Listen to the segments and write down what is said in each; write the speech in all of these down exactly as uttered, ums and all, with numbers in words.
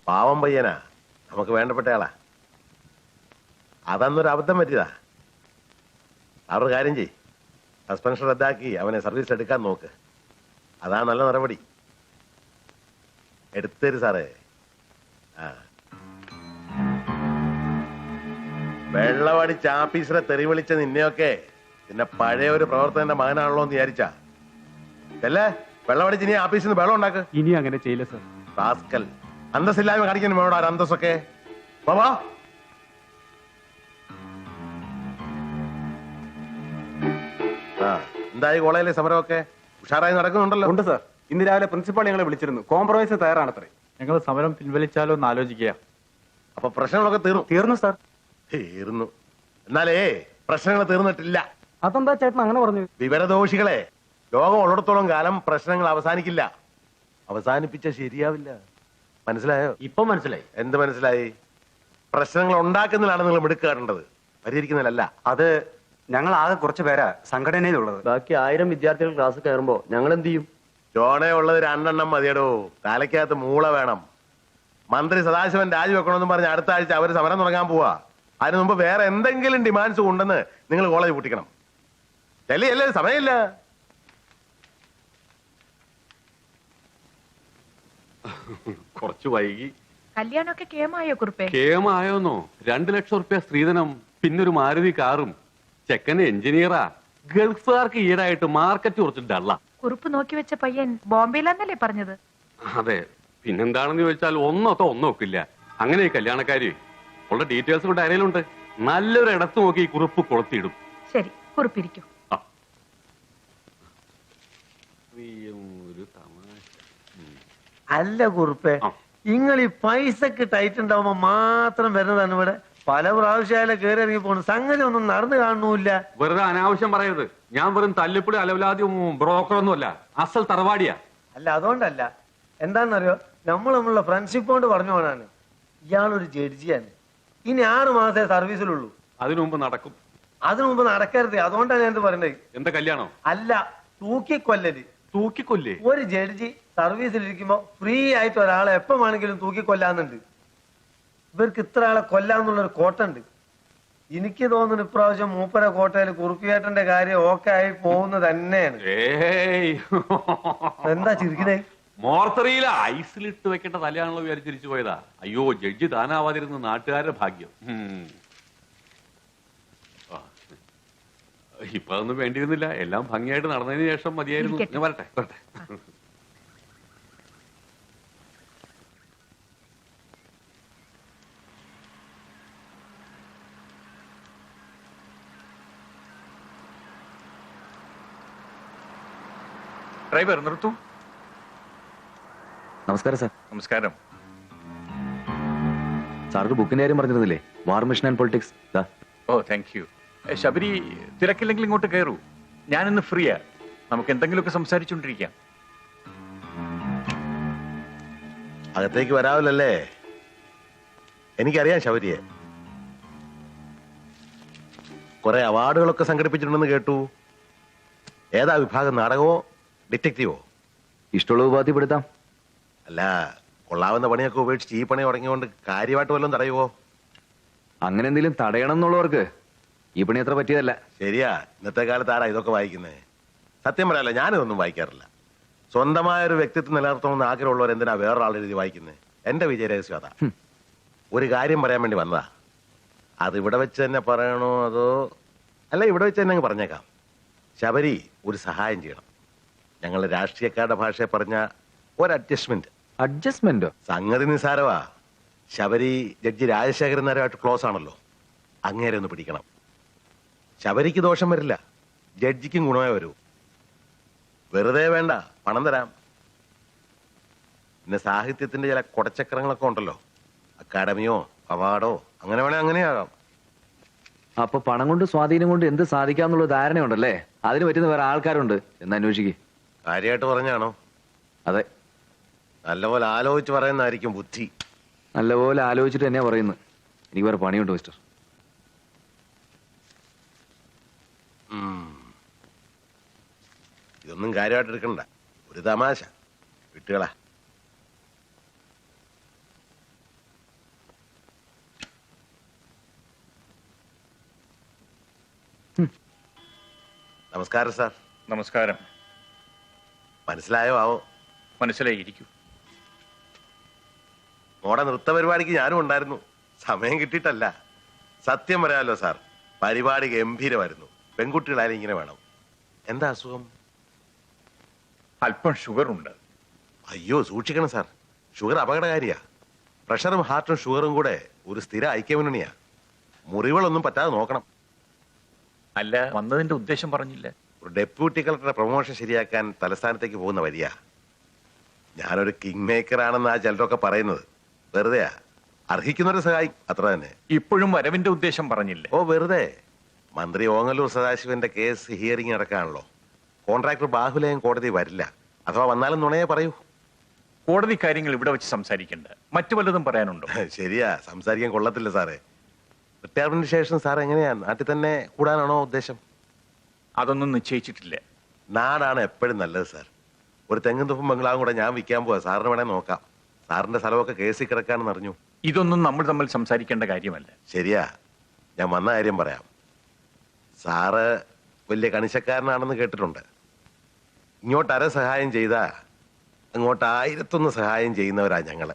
പാവം പയ്യനാ, നമുക്ക് വേണ്ടപ്പെട്ടയാളാ. അതന്നൊരു അബദ്ധം പറ്റിയതാ. അവരുടെ കാര്യം ചെയ്, സസ്പെൻഷൻ റദ്ദാക്കി അവനെ സർവീസ് എടുക്കാൻ നോക്ക്. അതാ നല്ല നടപടി. എടുത്തരും സാറേ. ആ വെള്ളമടിച്ച് ആഫീസിലെ തെറി വിളിച്ച നിന്നെയൊക്കെ പിന്നെ പഴയ ഒരു പ്രവർത്തകന്റെ മകനാണല്ലോ എന്ന് വിചാരിച്ചാ അല്ലേ? വെള്ളമടിച്ച് ഇനി ആഫീസിൽ നിന്ന് വെള്ളം ഉണ്ടാക്ക്. ഇനി അങ്ങനെ ചെയ്യില്ല സർ. റാസ്കൽ, അന്തസ്സില്ലായ്മ കാണിക്കുന്നു വേണോ ഒരു അന്തസ്സൊക്കെ. ബാബാ ആ എന്തായി കോളേജിലെ സമരമൊക്കെ ഉഷാറായി നടക്കുന്നുണ്ടല്ലോ? ഉണ്ട് സർ. ഇന്ന് രാവിലെ പ്രിൻസിപ്പാൾ ഞങ്ങളെ വിളിച്ചിരുന്നു. കോംപ്രമൈസ് തയ്യാറാണത്രേ. ഞങ്ങൾ സമരം പിൻവലിച്ചാലോ എന്ന് ആലോചിക്കുക. അപ്പൊ പ്രശ്നങ്ങളൊക്കെ തീർന്നു? തീർന്നു സാർ. തീർന്നു. എന്നാലേ പ്രശ്നങ്ങൾ തീർന്നിട്ടില്ല. അതെന്താ ചേട്ടൻ അങ്ങനെ പറഞ്ഞു? വിവരദോഷികളെ, ലോകം ഉള്ളിടത്തോളം കാലം പ്രശ്നങ്ങൾ അവസാനിക്കില്ല. അവസാനിപ്പിച്ച ശരിയാവില്ല. മനസ്സിലായോ? ഇപ്പൊ മനസ്സിലായി. എന്ത് മനസ്സിലായി? പ്രശ്നങ്ങൾ ഉണ്ടാക്കുന്നതിലാണ് നിങ്ങൾ മിടുക്കാറേണ്ടത്, പരിഹരിക്കുന്നതിലല്ല. അത് ഞങ്ങൾ ആകെ കുറച്ച് പേരാ സംഘടനയിലുള്ളത്. ബാക്കി ആയിരം വിദ്യാർത്ഥികൾ ക്ലാസ് കയറുമ്പോ ഞങ്ങൾ എന്ത് ചെയ്യും? ജോണേ ഉള്ളത് രണ്ടെണ്ണം മതിയടോ. തലയ്ക്കകത്ത് മൂള വേണം. മന്ത്രി സദാശിവൻ രാജിവെക്കണമെന്ന് പറഞ്ഞ് അടുത്ത ആഴ്ച അവർ സമരം തുടങ്ങാൻ പോവാ. അതിനു മുമ്പ് വേറെ എന്തെങ്കിലും ഡിമാൻഡ്സ് ഉണ്ടെന്ന് നിങ്ങൾ കോളേജ് പൂട്ടിക്കണം. ചെല്ലി അല്ലേ, സമയമില്ല. കുറച്ചു വൈകി. കല്യാണമൊക്കെ കേമായോ കുറുപ്പേ? കേമായോന്നോ? രണ്ടു ലക്ഷം റുപ്യ സ്ത്രീധനം, പിന്നൊരു മാരുതി കാറും. ചെക്കൻ എഞ്ചിനീയറാ. ഗൾഫുകാർക്ക് ഈടായിട്ട് മാർക്കറ്റ് കുറച്ച് ഡള്ള. കുറുപ്പ് നോക്കി വെച്ച പയ്യൻ ബോംബെയിലാന്നല്ലേ പറഞ്ഞത്? അതെ, പിന്നെന്താണെന്ന് ചോദിച്ചാൽ ഒന്നൊത്തോ ഒന്നോക്കില്ല. അങ്ങനെ കല്യാണക്കാരി ഉള്ള ഡീറ്റെയിൽസ് കൂടെ അരയിലുണ്ട്. നല്ലൊരു ഇടത്ത് നോക്കി ഈ കുറിപ്പ് കൊളുത്തിയിടും. ശരി, കുറുപ്പിരിക്കും. ഒരു തമാശ. അല്ല കുറുപ്പേ, നിങ്ങൾ ഈ പൈസക്ക് ടൈറ്റ് ഉണ്ടാവുമ്പോ മാത്രം വരുന്നതാണ് ഇവിടെ. പല പ്രാവശ്യം കയറി ഇറങ്ങി പോണു. സംഗതി ഒന്നും നടന്നു കാണുന്നില്ല. വെറുതെ അനാവശ്യം പറയരുത്. ഞാൻ വെറും തല്ലിപ്പൊടി അലവലാദ്യം ബ്രോക്കറൊന്നും അല്ല, അസൽ തറവാടിയാ. അല്ല അതുകൊണ്ടല്ല, എന്താണെന്നറിയോ, നമ്മൾ നമ്മളുടെ ഫ്രണ്ട്ഷിപ്പ് കൊണ്ട് പറഞ്ഞു പോണാണ്. ഇയാളൊരു ജഡ്ജിയാണ്. ഇനി ആറ് മാസേ സർവീസിലുള്ളൂ. അതിനു മുമ്പ് നടക്കും. അതിനു മുമ്പ് നടക്കരുത്. അതുകൊണ്ടാണ് ഞാൻ എന്ത് പറയണ്ടത്. എന്താ കല്യാണം? അല്ല, തൂക്കിക്കൊല്ലല്. തൂക്കിക്കൊല്ലേ? ഒരു ജഡ്ജി സർവീസിലിരിക്കുമ്പോ ഫ്രീ ആയിട്ട് ഒരാളെ എപ്പം വേണമെങ്കിലും തൂക്കിക്കൊല്ലാന്നുണ്ട്. ഇവർക്ക് ഇത്ര ആളെ കൊല്ലാന്നുള്ളൊരു കോട്ടുണ്ട്. എനിക്ക് തോന്നുന്നു ഇപ്രാവശ്യം മൂപ്പര കോട്ടയിൽ കുറുപ്പിയേട്ടന്റെ കാര്യം ഓക്കെ ആയി പോകുന്നത് തന്നെയാണ്. എന്താ ചിരിക്കണേ? മോർത്തറിയിൽ ഐസിലിട്ട് വെക്കേണ്ട തലയാണല്ലോ വിചാരിച്ചിരിച്ചു പോയതാ. അയ്യോ, ജഡ്ജി താനാവാതിരുന്ന നാട്ടുകാരുടെ ഭാഗ്യം. ഇപ്പൊ അതൊന്നും വേണ്ടിയിരുന്നില്ല. എല്ലാം ഭംഗിയായിട്ട് നടന്നതിന് ശേഷം മതിയായിരുന്നു. ഞാൻ വരട്ടെ വരട്ടെ. ഡ്രൈവർ നിർത്തൂ. നമസ്കാരം സാർ. നമസ്കാരം. സാർക്ക് ബുക്കിന്റെ കാര്യം പറഞ്ഞിരുന്നില്ലേ? War mission and politics. ഓ, താങ്ക് യു. ശബരി, തിരക്കില്ലെങ്കിൽ ഇങ്ങോട്ട് കയറൂ. ഞാനിന്ന് ഫ്രീയാ. നമുക്ക് എന്തെങ്കിലുമൊക്കെ സംസാരിച്ചുകൊണ്ടിരിക്കാം. അകത്തേക്ക് വരാവില്ലല്ലേ? എനിക്കറിയാം ശബരിയെ. കുറെ അവാർഡുകളൊക്കെ സംഘടിപ്പിച്ചിട്ടുണ്ടെന്ന് കേട്ടു. ഏതാ വിഭാഗം? നാടകമോ ഡിറ്റക്റ്റീവോ? ഇഷ്ടമുള്ള ഉപാധിപ്പെടുത്താം. അല്ല, കൊള്ളാവുന്ന പണിയൊക്കെ ഉപേക്ഷിച്ച് ഈ പണി തുടങ്ങിയോണ്ട് കാര്യമായിട്ട് വല്ലതും തടയുവോ? അങ്ങനെ എന്തെങ്കിലും തടയണം എന്നുള്ളവർക്ക് ഈ പണി അത്ര പറ്റിയതല്ല. ശരിയാ, ഇന്നത്തെ കാലത്ത് ആരാ ഇതൊക്കെ വായിക്കുന്നത്? സത്യം പറയാല്ല, ഞാനിതൊന്നും വായിക്കാറില്ല. സ്വന്തമായ ഒരു വ്യക്തിത്വം നിലനിർത്തണമെന്ന് ആഗ്രഹമുള്ളവർ എന്തിനാ വേറൊരാൾ എഴുതി വായിക്കുന്നത്? എന്റെ വിജയ രഹസ്യം അതാ. ഒരു കാര്യം പറയാൻ വേണ്ടി വന്നതാ. അത് ഇവിടെ വെച്ച് തന്നെ പറയണോ അതോ? അല്ല, ഇവിടെ വെച്ച് തന്നെ അങ്ങ് പറഞ്ഞേക്കാം. ശബരി ഒരു സഹായം ചെയ്യണം. ഞങ്ങൾ രാഷ്ട്രീയക്കാരുടെ ഭാഷയെ പറഞ്ഞ ഒരു അഡ്ജസ്റ്റ്മെന്റ്. അഡ്ജസ്റ്റ്മെന്റോ? സംഗതി നിസാരവാ. ശബരി ജഡ്ജി രാജശേഖരൻ നായരുമായിട്ട് ക്ലോസ് ആണല്ലോ. അങ്ങേരെ ഒന്ന് പിടിക്കണം. ശബരിക്ക് ദോഷം വരില്ല, ജഡ്ജിക്കും ഗുണമേ വരൂ. വെറുതെ വേണ്ട, പണം തരാം. പിന്നെ സാഹിത്യത്തിന്റെ ചില കൊടച്ചക്രങ്ങളൊക്കെ ഉണ്ടല്ലോ, അക്കാഡമിയോ അവാർഡോ, അങ്ങനെ വേണേ അങ്ങനെയാകാം. അപ്പൊ പണം കൊണ്ട് സ്വാധീനം കൊണ്ട് എന്ത് സാധിക്കാന്നുള്ള ധാരണയുണ്ടല്ലേ? അതിന് പറ്റുന്ന വേറെ ആൾക്കാരുണ്ട് എന്ന് അന്വേഷിക്ക്. കാര്യമായിട്ട് പറഞ്ഞാണോ? അതെ. നല്ലപോലെ ആലോചിച്ച് പറയുന്നതായിരിക്കും ബുദ്ധി. നല്ലപോലെ ആലോചിച്ചിട്ട് തന്നെയാ പറയുന്നത്. എനിക്ക് വേറെ പണിയുണ്ട് മിസ്റ്റർ. ഇതൊന്നും കാര്യമായിട്ട് എടുക്കണ്ട, ഒരു തമാശ. വിട്ടുകളാ. നമസ്കാരം സാർ. നമസ്കാരം. മനസ്സിലായോ ആവോ? മനസ്സിലായിരിക്കൂ. മോടെ നൃത്ത പരിപാടിക്ക് ഞാനും ഉണ്ടായിരുന്നു. സമയം കിട്ടിയിട്ടല്ല. സത്യം പറയാമല്ലോ സാർ, പരിപാടി ഗംഭീരമായിരുന്നു. പെൺകുട്ടികളായാലും ഇങ്ങനെ വേണം. എന്താ അസുഖം? അല്പം ഷുഗർ ഉണ്ട്. അയ്യോ സൂക്ഷിക്കണം സാർ, ഷുഗർ അപകടകാരിയാ. പ്രഷറും ഹാർട്ടും ഷുഗറും കൂടെ ഒരു സ്ഥിര ഐക്യമുന്നണിയാ. മുറിവുകളൊന്നും പറ്റാതെ നോക്കണം. അല്ല, വന്നതിന്റെ ഉദ്ദേശം പറഞ്ഞില്ല. ഒരു ഡെപ്യൂട്ടി കളക്ടറുടെ പ്രൊമോഷൻ ശരിയാക്കാൻ തലസ്ഥാനത്തേക്ക് പോകുന്ന വരിക. ഞാനൊരു കിങ് മേക്കർ ആണെന്ന് ആ ചിലരൊക്കെ പറയുന്നത് വെറുതെയാ. അർഹിക്കുന്നവരെ സഹായിക്കും, അത്ര തന്നെ. ഇപ്പോഴും വരവിന്റെ ഉദ്ദേശം പറഞ്ഞില്ല. ഓ വെറുതെ. മന്ത്രി ഓങ്ങല്ലൂർ സദാശിവന്റെ കേസ് ഹിയറിംഗ് നടക്കാണല്ലോ. കോൺട്രാക്ടർ ബാഹുലയം കോടതി വരില്ല. അഥവാ വന്നാലും നുണയെ പറയൂ. കോടതി കാര്യങ്ങൾ ഇവിടെ വെച്ച് സംസാരിക്കണ്ട. മറ്റു വല്ലതും പറയാനുണ്ടോ? ശരിയാ, സംസാരിക്കാൻ കൊള്ളത്തില്ല സാറേ. റിട്ടയർമെന്റിന് ശേഷം സാർ എങ്ങനെയാ, നാട്ടിൽ തന്നെ കൂടാനാണോ ഉദ്ദേശം? അതൊന്നും നിശ്ചയിച്ചിട്ടില്ല. നാടാണ് എപ്പോഴും നല്ലത് സാർ. ഒരു തെങ്ങും തുപ്പും ബംഗ്ലാവും കൂടെ ഞാൻ വിൽക്കാൻ പോവാ. സാറിന് വേണേ നോക്കാം. സാറിന്റെ സ്ഥലമൊക്കെ കേസിൽ കിടക്കാണെന്ന് അറിഞ്ഞു. ഇതൊന്നും നമ്മൾ തമ്മിൽ സംസാരിക്കേണ്ട കാര്യമല്ല. ശരിയാ, ഞാൻ വന്ന കാര്യം പറയാം. സാറ് വലിയ കണിശക്കാരനാണെന്ന് കേട്ടിട്ടുണ്ട്. ഇങ്ങോട്ട് അര സഹായം ചെയ്താ അങ്ങോട്ട് ആയിരത്തൊന്ന് സഹായം ചെയ്യുന്നവരാ ഞങ്ങള്.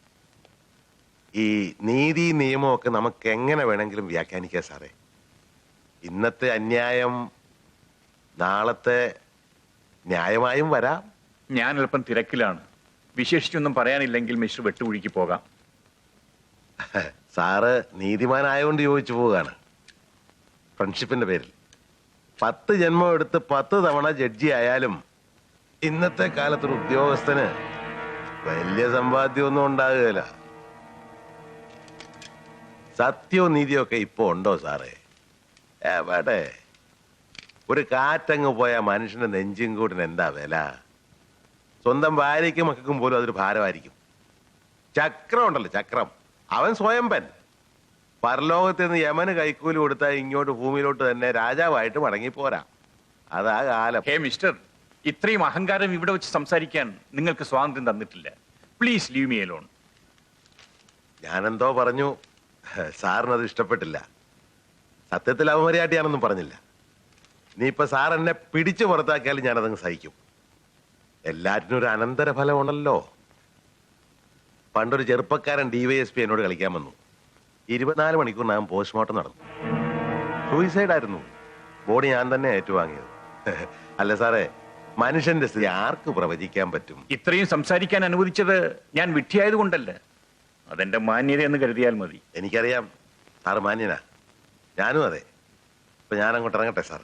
ഈ നീതി നിയമമൊക്കെ നമുക്ക് എങ്ങനെ വേണമെങ്കിലും വ്യാഖ്യാനിക്കാം സാറേ. ഇന്നത്തെ അന്യായം നാളത്തെ ന്യായമായും വരാം. ഞാൻ അല്പം തിരക്കിലാണ്. വിശേഷിച്ചൊന്നും പറയാനില്ലെങ്കിൽ മിസ്റ്റർ വെട്ടുകുഴിക്ക് പോകാം. സാറ് നീതിമാനായോണ്ട് ചോദിച്ചു പോവുകയാണ്. ഫ്രണ്ട്ഷിപ്പിന്റെ പേരിൽ പത്ത് ജന്മം എടുത്ത് പത്ത് തവണ ജഡ്ജി ആയാലും ഇന്നത്തെ കാലത്തൊരു ഉദ്യോഗസ്ഥന് വലിയ സമ്പാദ്യമൊന്നും ഉണ്ടാകുകയില്ല. സത്യവും നീതിയും ഒക്കെ ഇപ്പൊ ഉണ്ടോ സാറേ? എവിടെ? ഒരു കാറ്റങ്ങ് പോയ മനുഷ്യന്റെ നെഞ്ചും കൂടിന് എന്താ വില? സ്വന്തം ഭാര്യയ്ക്കും മക്കൾക്കും പോലും അതൊരു ഭാരമായിരിക്കും. ചക്രം ഉണ്ടല്ലോ, ചക്രം, അവൻ സ്വയംപൻ. പരലോകത്ത് നിന്ന് യമന് കൈക്കൂലി കൊടുത്താൽ ഇങ്ങോട്ട് ഭൂമിയിലോട്ട് തന്നെ രാജാവായിട്ട് മടങ്ങിപ്പോരാ. അതാ കാലം. ഹേ മിസ്റ്റർ, ഇത്രയും അഹങ്കാരം ഇവിടെ വെച്ച് സംസാരിക്കാൻ നിങ്ങൾക്ക് സ്വാതന്ത്ര്യം തന്നിട്ടില്ല. Please leave me alone. ഞാനെന്തോ പറഞ്ഞു, സാറിനത് ഇഷ്ടപ്പെട്ടില്ല. സത്യത്തിൽ അവമര്യാദയാണെന്നും പറഞ്ഞില്ല. ഇനിയിപ്പൊ സാർ എന്നെ പിടിച്ചു പുറത്താക്കിയാലും ഞാനതങ്ങ് സഹിക്കും. എല്ലാറ്റിനും ഒരു അനന്തരഫലം ഉണ്ടല്ലോ. പണ്ടൊരു ചെറുപ്പക്കാരൻ ഡിവൈഎസ്പി എന്നോട് കളിക്കാൻ വന്നു. ഇരുപത്തിനാല് മണിക്കൂറിനകം പോസ്റ്റ്മോർട്ടം നടന്നു. സൂയിസൈഡ് ആയിരുന്നു. ബോഡി ഞാൻ തന്നെ ഏറ്റുവാങ്ങിയത്. അല്ല സാറേ, മനുഷ്യന്റെ സ്ഥിതി ആർക്ക് പ്രവചിക്കാൻ പറ്റും? ഇത്രയും സംസാരിക്കാൻ അനുവദിച്ചത് ഞാൻ വിഡ്ഢിയായതുകൊണ്ടല്ല. അതെന്റെ മാന്യത എന്ന് കരുതിയാൽ മതി. എനിക്കറിയാം സാറ് മാന്യനാ, ഞാനും അതെ. ഇപ്പൊ ഞാൻ അങ്ങോട്ട് ഇറങ്ങട്ടെ സാർ.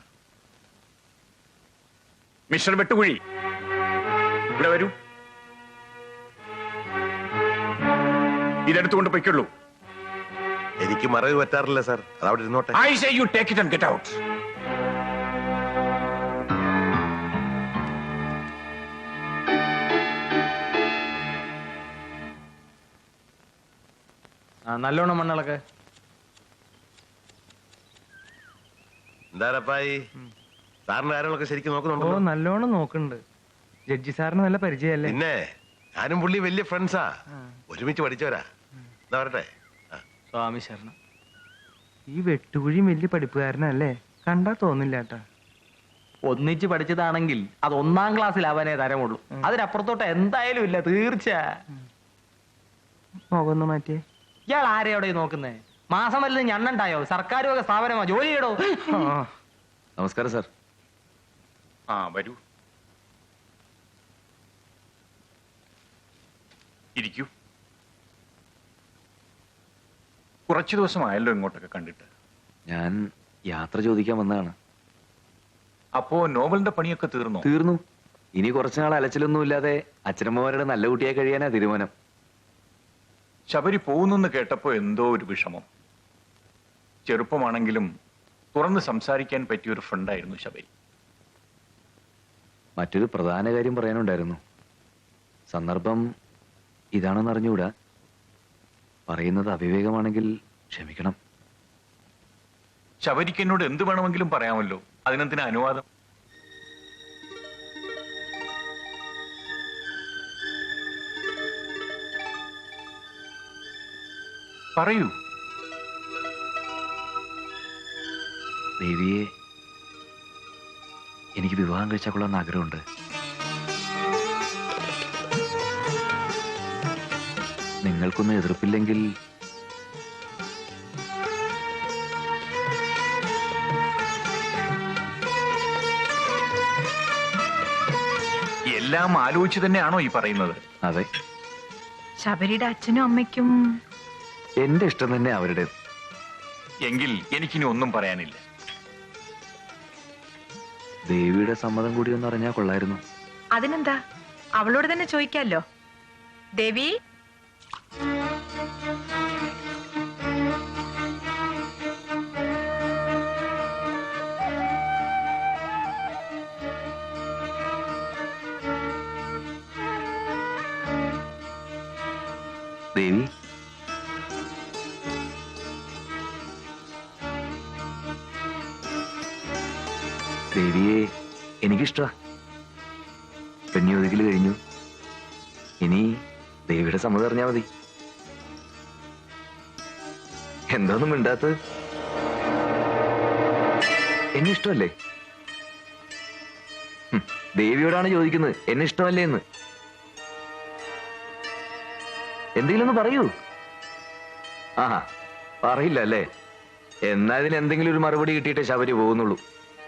മിസ്റ്റർ വെട്ടുകുഴി, ഇവിടെ വരൂ. ഇതെടുത്തുകൊണ്ട് പൊയ്ക്കുള്ളൂ. എനിക്ക് മറവി പറ്റാറില്ല സാർ, അതവിടെ ഇരുന്നോട്ടെ. I say you take it and get out. നല്ലോണം മണ്ണളൊക്കെ. എന്താരപ്പായി, സാറിന്റെ കാര്യങ്ങളൊക്കെ ശരിക്കും ഓ നോക്കുന്നുണ്ടോ? നല്ലോണം നോക്കുന്നുണ്ട്. ജഡ്ജി സാറിന് നല്ല പരിചയമല്ലേ? പിന്നെ ഞാനും പുള്ളി വലിയ ഫ്രണ്ട്സാ, ഒരുമിച്ച് പഠിച്ചവരാ. എന്താ പറയട്ടെ? സ്വാമി ശരണം. ഈ വെട്ടുകുഴിയും വലിയ പഠിപ്പുകാരനല്ലേ? കണ്ടാ തോന്നില്ല കേട്ടാ. ഒന്നിച്ച് പഠിച്ചതാണെങ്കിൽ അത് ഒന്നാം ക്ലാസ്സിലാവാനേ തരമുള്ളൂ. അതിനപ്പുറത്തോട്ട് എന്തായാലും ഇല്ല, തീർച്ച. മുഖം ഒന്ന് മാറ്റിയേ. ഇയാൾ ആരെയോടെ നോക്കുന്നേ? മാസം വല്ലതും ഞണ്ണണ്ടായോ? സർക്കാർ വക സ്ഥാപനമാ, ജോലി ചെയ്യടോ. നമസ്കാരം സാർ. ആ വരൂ, ഇരിക്കൂ. കുറച്ചു ദിവസമായല്ലോ ഇങ്ങോട്ടൊക്കെ കണ്ടിട്ട്. ഞാൻ യാത്ര ചോദിക്കാൻ വന്നതാണ്. അപ്പോ നോവലിന്റെ പണിയൊക്കെ തീർന്നോ? തീർന്നു. ഇനി കുറച്ചുനാൾ അലച്ചിലൊന്നും ഇല്ലാതെ അച്ഛനമ്മമാരുടെ നല്ല കുട്ടിയായി കഴിയാനാ തീരുമാനം. ശബരി പോകുന്നെന്ന് കേട്ടപ്പോ എന്തോ ഒരു വിഷമം. ചെറുപ്പമാണെങ്കിലും തുറന്ന് സംസാരിക്കാൻ പറ്റിയ ഒരു ഫ്രണ്ടായിരുന്നു ശബരി. മറ്റൊരു പ്രധാന കാര്യം പറയാനുണ്ടായിരുന്നു. സന്ദർഭം ഇതാണെന്ന് അറിഞ്ഞുകൂടാ. പറയുന്നത് അവിവേകമാണെങ്കിൽ ക്ഷമിക്കണം. ശബരിക്ക് എന്നോട് എന്ത് വേണമെങ്കിലും പറയാമല്ലോ, അതിനെന്തിനാ അനുവാദം? പറയൂ. ദേവിയെ എനിക്ക് വിവാഹം കഴിച്ചാൽ കൊള്ളാമെന്ന് ആഗ്രഹമുണ്ട്. നിങ്ങൾക്കൊന്നും എതിർപ്പില്ലെങ്കിൽ എല്ലാം ആലോചിച്ച് തന്നെയാണോ ഈ പറയുന്നത്? അതെ, ശബരിയുടെ അച്ഛനും അമ്മയ്ക്കും എന്റെ ഇഷ്ടം തന്നെ അവരുടെ. എങ്കിൽ എനിക്കിനി ഒന്നും പറയാനില്ല. ദേവിയുടെ സമ്മതം കൂടി ഒന്ന് അറിഞ്ഞാൽ കൊള്ളായിരുന്നു. അതിനെന്താ, അവളോട് തന്നെ ചോദിക്കാലോ. ദേവി, ദേവി, ദേവിയെ എനിക്കിഷ്ടമാ. പെണ്ണി ഒതുക്കല് കഴിഞ്ഞു. ഇനി ദേവിയുടെ സമ്മതം അറിഞ്ഞാ മതി. എന്താന്നും മിണ്ടാത്തത്? എന്നെ ഇഷ്ടമല്ലേ? ഹും, ദേവിയോടാണ് ചോദിക്കുന്നത് എന്നെ ഇഷ്ടമല്ലേ എന്ന്. എന്തെങ്കിലും ഒന്ന് പറയൂ. ആഹാ, പറയില്ല അല്ലേ? എന്നാ ഇതിന് എന്തെങ്കിലും ഒരു മറുപടി കിട്ടിയിട്ടേ ശബരി പോകുന്നുള്ളൂ.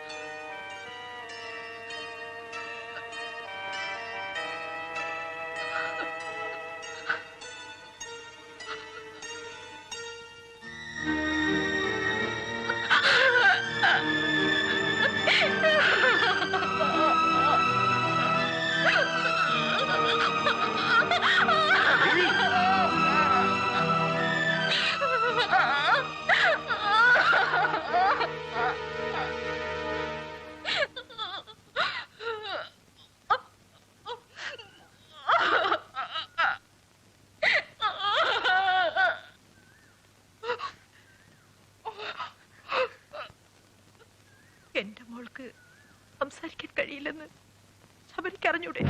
എന്റെ മോൾക്ക് സംസാരിക്കാൻ കഴിയില്ലെന്ന് ശബരിക്ക് അറിഞ്ഞൂടെ?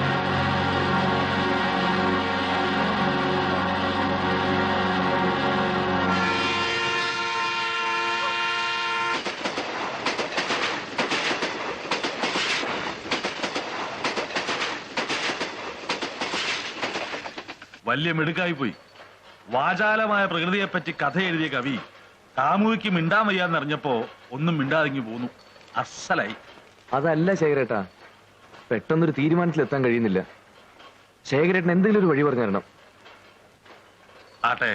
വലിയ മിടുക്കായി പോയി. വാചാലമായ പ്രകൃതിയെപ്പറ്റി കഥ എഴുതിയ കവി കാമുകിക്ക് മിണ്ടാൻ വയ്യാന്നറിഞ്ഞപ്പോ ഒന്നും മിണ്ടാതിങ്ങി പോന്നു. അസലായി. അതല്ല ശേഖരേട്ടാ, പെട്ടെന്നൊരു തീരുമാനത്തിലെത്താൻ കഴിയുന്നില്ല. ശേഖരേട്ടൻ എന്തെങ്കിലും ഒരു വഴി പറഞ്ഞു തരണം. ആട്ടെ,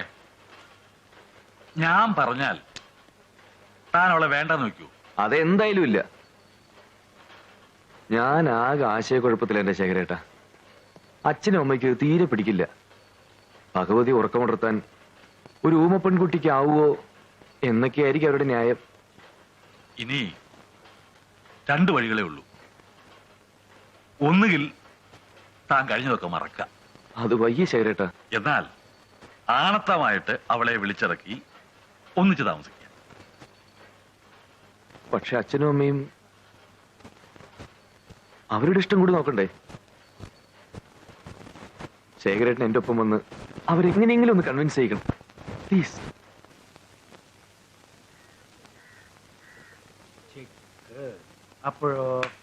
ഞാൻ പറഞ്ഞാൽ താൻ അവളെ വേണ്ടെന്ന് വെക്കൂ? അതെന്തായാലും ഇല്ല. ഞാൻ ആകെ ആശയക്കുഴപ്പത്തില എന്റെ ശേഖരേട്ടാ. അച്ഛനും അമ്മയ്ക്ക് തീരെ പിടിക്കില്ല. ഭഗവതി ഉറക്കമുണർത്താൻ ഒരു ഊമ പെൺകുട്ടിക്ക് ആവുമോ എന്നൊക്കെയായിരിക്കും അവരുടെ ന്യായം. ഇനി രണ്ടു വഴികളേ ഉള്ളൂ. ഒന്നുകിൽ താൻ കഴിഞ്ഞതൊക്കെ മറക്കാം. അത് വയ്യ ശേഖരേട്ടാ. എന്നാൽ ആണത്തമായിട്ട് അവളെ വിളിച്ചിറക്കി ഒന്നിച്ച് താമസിക്കാം. പക്ഷെ അച്ഛനും അമ്മയും അവരുടെ ഇഷ്ടം കൂടി നോക്കണ്ടേ? ശേഖരേട്ടൻ എന്റെ ഒപ്പം വന്ന് അവരെങ്ങനെയെങ്കിലും ഒന്ന് കൺവിൻസ് ചെയ്യണം പ്ലീസ്. അപ്പോഴോ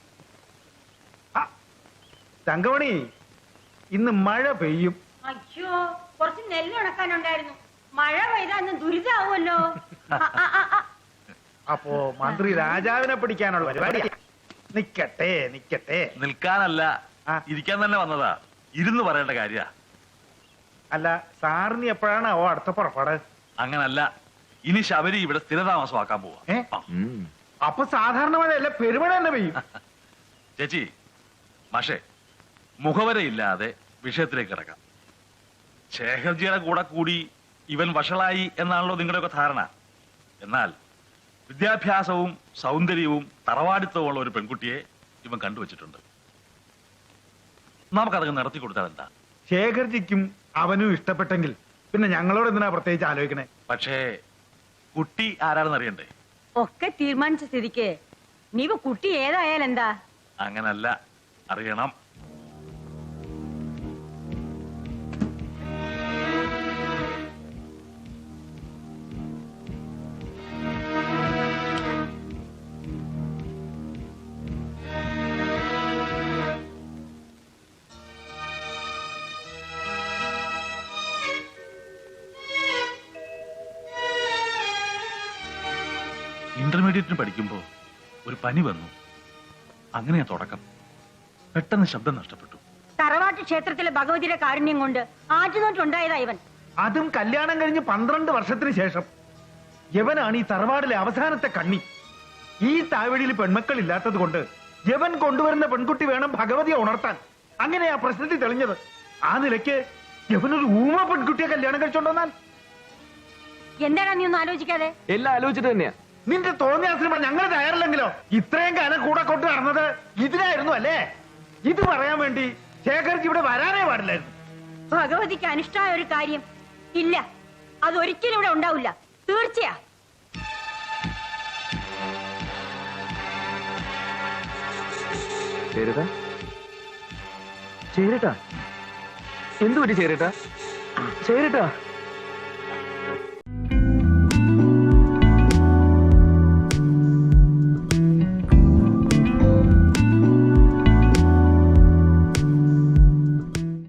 തങ്കമണി, ഇന്ന് മഴ പെയ്യും. അയ്യോ, കുറച്ച് നെല്ല് ഉണക്കാനുണ്ടായിരുന്നു. മഴ പെയ്താ അന്ന് ദുരിതാവുമല്ലോ. അപ്പോ മന്ത്രി രാജാവിനെ പിടിക്കാനുള്ള പരിപാടി. നിക്കട്ടെ നിക്കട്ടെ. നിൽക്കാനല്ല, ഇരിക്കാൻ തന്നെ വന്നതാ. ഇരുന്ന് പറയേണ്ട കാര്യ. അല്ല, സാറിന് എപ്പോഴാണ് ഓ അടുത്ത പുറപ്പാട്? അങ്ങനല്ല, ഇനി ശബരി ഇവിടെ സ്ഥിരതാമസമാക്കാൻ പോവാ. അപ്പൊ സാധാരണ മഴയല്ല, പെരുമഴ തന്നെ പെയ്യും. ചേച്ചി, മാഷേ, മുഖവരയില്ലാതെ വിഷയത്തിലേക്ക് കിടക്കാം. ശേഖർജിയുടെ കൂടെ കൂടി ഇവൻ വഷളായി എന്നാണല്ലോ നിങ്ങളുടെയൊക്കെ ധാരണ. എന്നാൽ വിദ്യാഭ്യാസവും സൗന്ദര്യവും തറവാടിത്തവും ഉള്ള ഒരു പെൺകുട്ടിയെ ഇവൻ കണ്ടുവച്ചിട്ടുണ്ട്. നമുക്കതൊക്കെ നടത്തി കൊടുത്താൽ എന്താ? ശേഖർജിക്കും അവനും ഇഷ്ടപ്പെട്ടെങ്കിൽ പിന്നെ ഞങ്ങളോട് എന്തിനാ പ്രത്യേകിച്ച് ആലോചിക്കണേ? പക്ഷേ കുട്ടി ആരാണെന്ന് അറിയണ്ടേ? ഒക്കെ തീരുമാനിച്ച സ്ഥിതിക്ക് നീ കുട്ടി ഏതായാലും എന്താ? അങ്ങനല്ല, അറിയണം. ഇന്റർമീഡിയറ്റിന് പഠിക്കുമ്പോ ഒരു പനി വന്നു. അങ്ങനെയാ തുടക്കം. പെട്ടെന്ന് ശബ്ദം നഷ്ടപ്പെട്ടു. തറവാട്ട് ക്ഷേത്രത്തിലെ ഭഗവതിയുടെ കാരുണ്യം കൊണ്ട് ആറ്റുനോട്ടുണ്ടായതാ ഇവൻ. അതും കല്യാണം കഴിഞ്ഞ് പന്ത്രണ്ട് വർഷത്തിന് ശേഷം. യവനാണ് ഈ തറവാടിലെ അവസാനത്തെ കണ്ണി. ഈ താവഴിയിൽ പെൺമക്കൾ ഇല്ലാത്തത് കൊണ്ട് യവൻ കൊണ്ടുവരുന്ന പെൺകുട്ടി വേണം ഭഗവതിയെ ഉണർത്താൻ. അങ്ങനെയാ പ്രശ്നത്തിൽ തെളിഞ്ഞത്. ആ നിലയ്ക്ക് യവനൊരു ഊമ പെൺകുട്ടിയെ കല്യാണം കഴിച്ചോണ്ടോന്നാൽ എന്താണ് നീ ഒന്ന് ആലോചിക്കാതെ? എല്ലാം ആലോചിച്ചിട്ട് തന്നെയാ. നിന്റെ തോന്നിയാസിന് ഞങ്ങൾ തയ്യാറില്ലെങ്കിലോ? ഇത്രയും കാലം കൂടെ കൊണ്ട് നടന്നത് ഇതിനായിരുന്നു അല്ലേ? ഇത് പറയാൻ വേണ്ടി ശേഖർക്ക് ഇവിടെ വരാനേ പാടില്ലായിരുന്നു. ഭഗവതിക്ക് അനിഷ്ടമായ ഒരു കാര്യം ഇല്ല, അതൊരിക്കലും ഇവിടെ ഉണ്ടാവില്ല. തീർച്ചയാ. ചേരട്ടാ ചേരട്ടാ എന്തു പറ്റി ചേരട്ടാ ചേരട്ടാ